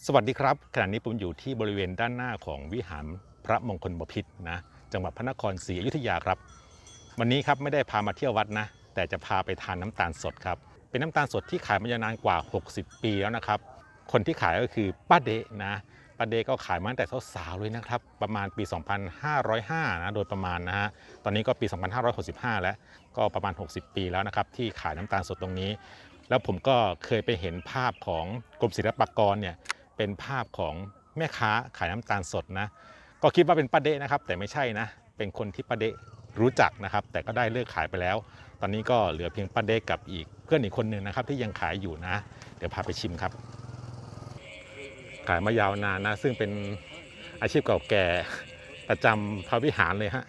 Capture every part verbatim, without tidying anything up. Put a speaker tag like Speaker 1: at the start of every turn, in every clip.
Speaker 1: สวัสดีครับขณะนี้ผมอยู่ที่บริเวณด้านหน้าของวิหารพระมงคลบพิตรนะจังหวัดพระนครศรีอยุธยาครับวันนี้ครับไม่ได้พามาเที่ยววัดนะแต่จะพาไปทานน้ำตาลสดครับเป็นน้ำตาลสดที่ขายมายาวนานกว่าหกสิบปีแล้วนะครับคนที่ขายก็คือป้าเดะนะป้าเดะก็ขายมาตั้งแต่สาวๆเลยนะครับประมาณปีสองพันห้าร้อยห้านะโดยประมาณนะฮะตอนนี้ก็ปีสองพันห้าร้อยหกสิบห้าแล้วก็ประมาณหกสิบปีแล้วนะครับที่ขายน้ำตาลสดตรงนี้แล้วผมก็เคยไปเห็นภาพของกรมศิลปากรเนี่ยเป็นภาพของแม่ค้าขายน้ำตาลสดนะก็คิดว่าเป็นป้าเดะนะครับแต่ไม่ใช่นะเป็นคนที่ป้าเดะรู้จักนะครับแต่ก็ได้เลิกขายไปแล้วตอนนี้ก็เหลือเพียงป้าเดะกับอีกเพื่อนอีกคนหนึ่งนะครับที่ยังขายอยู่นะเดี๋ยวพาไปชิมครับขายมายาวนานนะซึ่งเป็นอาชีพเก่าแก่ประจำพระวิหารเลยฮะ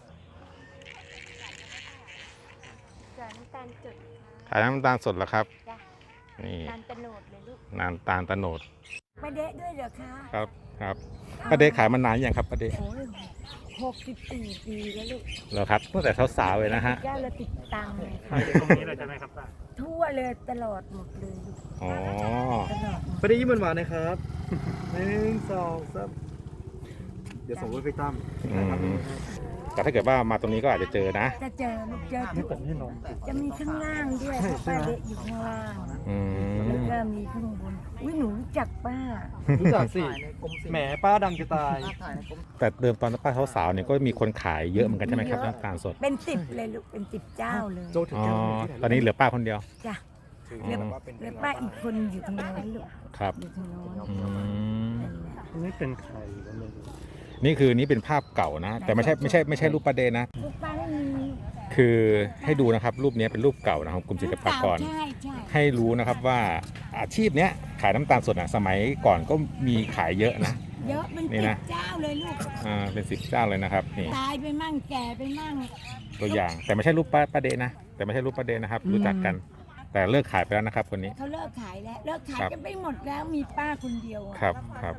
Speaker 2: น้ำตาลจด
Speaker 1: ขายน้ำตาลสดเหรอครับนี่
Speaker 2: น้ำตาลโนดเลยลูก
Speaker 1: น้ำตาลตะโนด
Speaker 2: ป้าเดะด้วยเหรอคะ
Speaker 1: ครับครับป้าเดะขายมานานยังครับป้าเดะ
Speaker 2: โอ้ยหกสิบสี่ปีแล้วลูก
Speaker 1: เหรอครับตั้งแต่สาวๆเลยนะฮะ
Speaker 2: เจ้าเราติดตังค์
Speaker 3: ขายตรงนี้เลยใช่ไหมครับป้า
Speaker 2: ทั่วเลยตลอดหมดเลยลูก
Speaker 1: อ๋อ
Speaker 2: ตลอดหมด
Speaker 3: ไปได้ยิ้มหวานๆนะครับหนึ่งสองสามเดี๋ยวส่งไว้ไปตั้ม
Speaker 1: อืมแต่ถ้าเกิดว่ามาตรงนี้ก็อาจจะเจอนะ
Speaker 2: จะเจอลูกเจอทุก
Speaker 3: นี่นม
Speaker 2: จะมีข้างล่างด้วยเพราะป้าเดะอยู่ข้างล่าง
Speaker 1: อื
Speaker 2: แล้ว
Speaker 1: ม
Speaker 2: ก็มีข้างบนอุ้ยหนูรู้จักป้า
Speaker 3: รู้จักสิแหมป้าดังจะตาย
Speaker 1: แต่เดิมตอนป้าสาวๆเนี่ยก็มีคนขายเยอะเหมือนกันใช่ไหมครับน้ำตาลสด
Speaker 2: เป็นสิบเลยลูกเป็นสิบเจ้าเลย
Speaker 3: โจถึง
Speaker 1: อ๋อ
Speaker 3: แก้ว
Speaker 1: ตอนนี้เหลือป้าคนเดียว
Speaker 2: จ้ะ
Speaker 1: อ๋อ
Speaker 2: แล้วป้าอีกคนอยู่ทางโน้นลูก
Speaker 1: ครับ
Speaker 2: อยู่ทางโน้น
Speaker 1: อืม
Speaker 2: นั่นแหละ
Speaker 3: นี่เป็นใครก็ไม่รู้
Speaker 1: นี่คือนี่เป็นภาพเก่านะ แต่ไม่ใช่ไม่ใช่ไม่ใช่รูปป้าเดนะ
Speaker 2: ลูกป้าไม่มี
Speaker 1: คือให้ดูนะครับรูปนี้เป็นรูปเก่านะครับกรมศิลปากร
Speaker 2: ใช่ใช่
Speaker 1: ให้รู้นะครับว่าอาชีพเนี้ยขายน้ำตาลสดนะสมัยก่อนก็มีขายเยอะนะ
Speaker 2: เยอะเป็น
Speaker 1: นี่
Speaker 2: สิ
Speaker 1: นะ
Speaker 2: บเจ้าเลยลูก
Speaker 1: อ่าเป็นสิบเจ้าเลยนะครับนี่
Speaker 2: ตายไปมั่งแก่ไปมั่ง
Speaker 1: ตัวอย่างแต่ไม่ใช่รูปป้าป้าเดนะแต่ไม่ใช่รูปป้าเดนะครับ รู้จักกัน แต่เลิกขายไปแล้วนะครับคนนี้
Speaker 2: เขาเลิกขายแล้วเลิกขาย
Speaker 1: ครับ
Speaker 2: กันไปหมดแล้วมีป้าคนเดียวอะ
Speaker 1: ครับครับ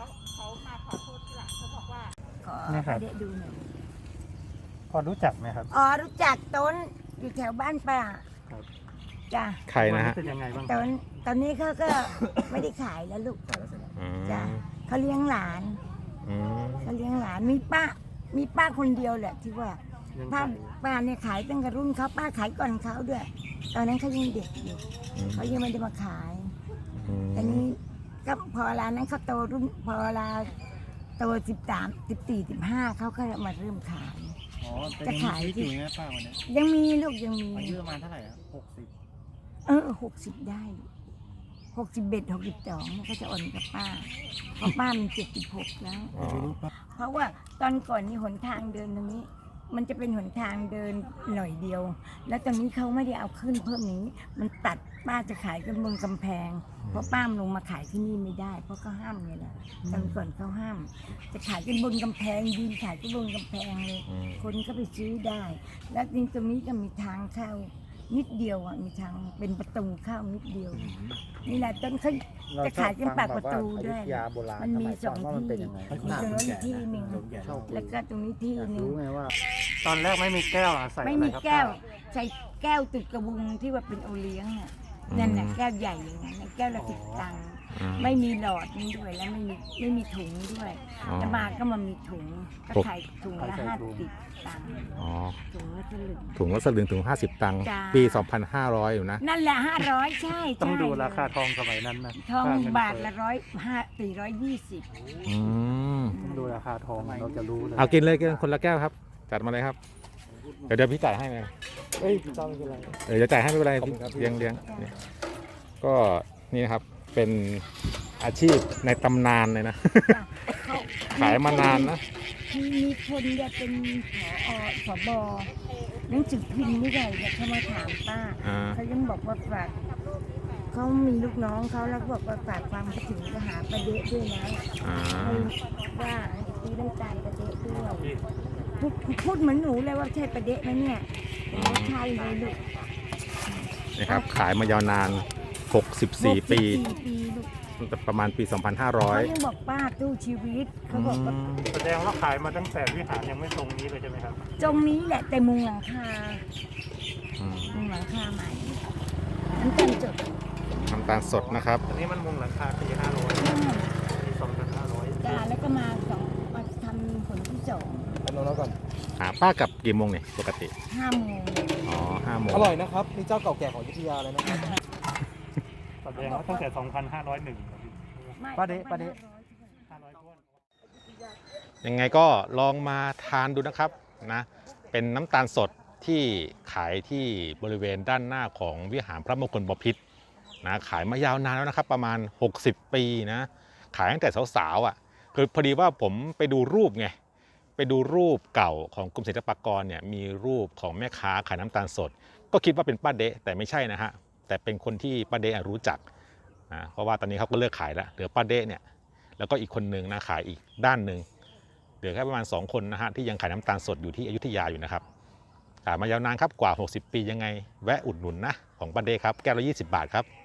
Speaker 2: ขอ
Speaker 3: นี่ครับ
Speaker 2: เดะดูหน่อย
Speaker 3: พอรู้จักไหมครับ
Speaker 2: อ๋อรู้จักต้นอยู่แถวบ้านป้า
Speaker 3: ครับ
Speaker 2: จ้ะ
Speaker 1: ใครนะฮะ
Speaker 3: เป็นยังไงบ้าง
Speaker 2: ต้นตอนนี้เขาก็ ไม่ได้ขายแล้วลูก
Speaker 1: อืม
Speaker 2: จ้ะเขาเลี้ยงหลาน
Speaker 1: อืม
Speaker 2: เขาเลี้ยงหลานมีป้า มีป้าคนเดียวแหละที่ว่า
Speaker 3: ยัง
Speaker 2: ป้า
Speaker 3: ขาย
Speaker 2: ป้าเนี่ยขายตั้งแต่รุ่นเขาป้าขายก่อนเขาด้วย ตอนนั้นเขายังเด็กอยู่เขายังไม่ได้มาขาย
Speaker 1: อืม
Speaker 2: แต่นี้ก็พอร้านนั้นเขาโตรุ่นพอเวลาโตสิบสามสิบสี่สิบห้าเขาก็มาเริ่มขาย
Speaker 3: อ๋อ
Speaker 2: จะขาย
Speaker 3: ชีวิตอยู่นะป้าวันนี้
Speaker 2: ยังมีลูกยังมี
Speaker 3: อายุประมาณเท่าไหร่ครับหกสิบ
Speaker 2: เออหกสิบได้หกสิบเบ็ดหกสิบสองก็จะอ่อนกับป้าเพราะป้ามันเจ็ดสิบหกแล้ว
Speaker 1: อ๋อ
Speaker 2: เพราะว่าตอนก่อนนี่หนทางเดินตรงนี้ มันจะเป็นหนทางเดินหน่อยเดียว แล้วตอนนี้เขาไม่ได้เอาขึ้นเพิ่มอย่างนี้ มันตัดป้าจะขายกันบนกำแพง เพราะป้ามนลงมาขายที่นี่ไม่ได้ เพราะเขาห้ามไงล่ะตอนก่อนเขาห้าม จะขายกันบนกำแพงยืนขายกันบนกำแพงเลย
Speaker 1: อืม
Speaker 2: คนก็ไปซื้อได้ แล้วจริงตรงนี้ก็มีทางเข้านิดเดียวอ่ะมีทางเป็นประตูเข้านิดเดียว นี่แหละต้นเขาจะขายกันปากประตูด้วย
Speaker 4: ยาโบราณ
Speaker 2: มันมีสอง
Speaker 4: ว่ามัน
Speaker 2: ที่
Speaker 4: เป็นยังไง
Speaker 2: มีตรงนู้นอีกที่หนึ่งแล้วก็ตรงนี้ที่หนึ่ง
Speaker 4: รู้ไงว่า
Speaker 3: ตอนแรกไม่มีแก้วอะใส่
Speaker 2: ไม่
Speaker 3: อะไร
Speaker 2: มี
Speaker 3: ครับ
Speaker 2: แก้ว
Speaker 3: ป้า
Speaker 2: ใส่แก้วติดกระบุงที่ว่าเป็นโอเลี้ยงอ่ะนั่นน่ะแก้วใหญ่อย่างนั้นน่ะแก้วละสิบตังค์
Speaker 1: อืม
Speaker 2: ไม่มีหลอดนี่ด้วยแล้วไม่มีไม่มีถุงด้วย
Speaker 1: อ๋อ
Speaker 2: แล้วมาก็มามีถุงก็
Speaker 1: ถุง
Speaker 2: ขายถุงละห้าสิบตังค์
Speaker 1: อ๋อ
Speaker 2: ถุงละสลึง
Speaker 1: ถุงละสลึงถึงห้าสิบตังค์
Speaker 2: จ้า
Speaker 1: ปี สองพันห้าร้อย อยู่นะ
Speaker 2: นั่นแหละห้าร้อยใช่
Speaker 3: ต้อง
Speaker 2: ใช่
Speaker 3: ดูราคาทองสมัยนั้นนะ
Speaker 2: ทอง
Speaker 3: ค่เน
Speaker 2: บาท
Speaker 3: เฟ้
Speaker 2: ละร้อยห้าสี่ร้อยยี่สิบ
Speaker 1: อืม
Speaker 3: ต้องดูราคาทองเราจะรู้เลย
Speaker 1: เอากินเลยกินคนละแก้วครับ จัดมาเลยครับ เดี๋ยวเดี๋ยวพี่จ่ายให้ไหม
Speaker 3: เฮ้ยจำไม่เป็นไร
Speaker 1: เออจะจ่ายให้ไม่เป็นไร
Speaker 3: ขอบคุณครับพี่
Speaker 1: เลี้ยงเลี้ยงเนี่ยก็นี่นะครับเป็นอาชีพในตำนานเลยนะ ขายมานานนะ
Speaker 2: มีมีคนจะเป็นผอผบหนังสือพิมพ์ไม่ได้เนี่ยเขามาถามป้า
Speaker 1: อ่า
Speaker 2: เขายังบอกว่าฝากเขามีลูกน้องเขาแล้วก็บอกว่าฝากความคิดถึงจะหาประเดะด้วยนะ
Speaker 1: อ่า
Speaker 2: ให้ว่าให้ซื้อน้ำตาลประเดะด้วยพูดพูดเหมือนหนูเลยว่าใช่ประเดะไหมเนี่ยไม่ใช่เลยลูก
Speaker 1: นี่ครับขายมายาวนาน หกสิบสี่ ปี
Speaker 2: หกสิบสี่ปีลูก
Speaker 1: ตั้งแต่ประมาณปี สองพันห้าร้อย
Speaker 2: เขายังบอกป้าตู้ชีวิตเขาบอกว่า
Speaker 3: แสดงว่าขายมาตั้งแต่วิหารยังไม่ตรงนี้เลยใช่ไหมครับ
Speaker 2: ตรงนี้แหละแต่มุงหลังคา
Speaker 1: อืม
Speaker 2: มุงหลังคาใหม่น้ำตาลจด
Speaker 1: น้ำตาลสดนะครับ
Speaker 3: อันนี้มันมุงหลังคาปีห้าร้อย
Speaker 2: มุงหลังคสอง
Speaker 3: อันนั้นก่อน
Speaker 1: หาป้ากลับกี่โมงเนี่ยปกติ
Speaker 2: ห้าโมง
Speaker 1: อ๋อห้าโมง
Speaker 3: อร่อยนะครับนี่เจ้าเก่าแก่ของอยุธยาเลยนะครับ
Speaker 4: แสดงว่าตั้งแต่ สองพันห้าร้อยเอ็ด ครับพี่
Speaker 2: ไม่
Speaker 3: ป้าเดะป้าเดะ
Speaker 4: ห้าร้อยถ้วน
Speaker 1: ยังไงก็ลองมาทานดูนะครับนะเป็นน้ำตาลสดที่ขายที่บริเวณด้านหน้าของวิหารพระมงคลบพิตรนะขายมายาวนานแล้วนะครับประมาณหกสิบปีนะขายตั้งแต่สาวๆอ่ะคือพอดีว่าผมไปดูรูปไงไปดูรูปเก่าของกรมศิลปากรเนี่ยมีรูปของแม่ค้าขายน้ำตาลสด ก็คิดว่าเป็นป้าเดะแต่ไม่ใช่นะฮะแต่เป็นคนที่ป้าเดะรู้จักนะเพราะว่าตอนนี้เขาก็เลิกขายแล้วเหลือป้าเดะเนี่ยแล้วก็อีกคนนึงนะขายอีกด้านหนึ่งเหลือแค่ประมาณสองคนนะฮะที่ยังขายน้ำตาลสดอยู่ที่อยุธยาอยู่นะครับขายมายาวนานครับกว่าหกสิบปียังไงแวะอุดหนุนนะของป้าเดะครับแก้วละยี่สิบบาทครับ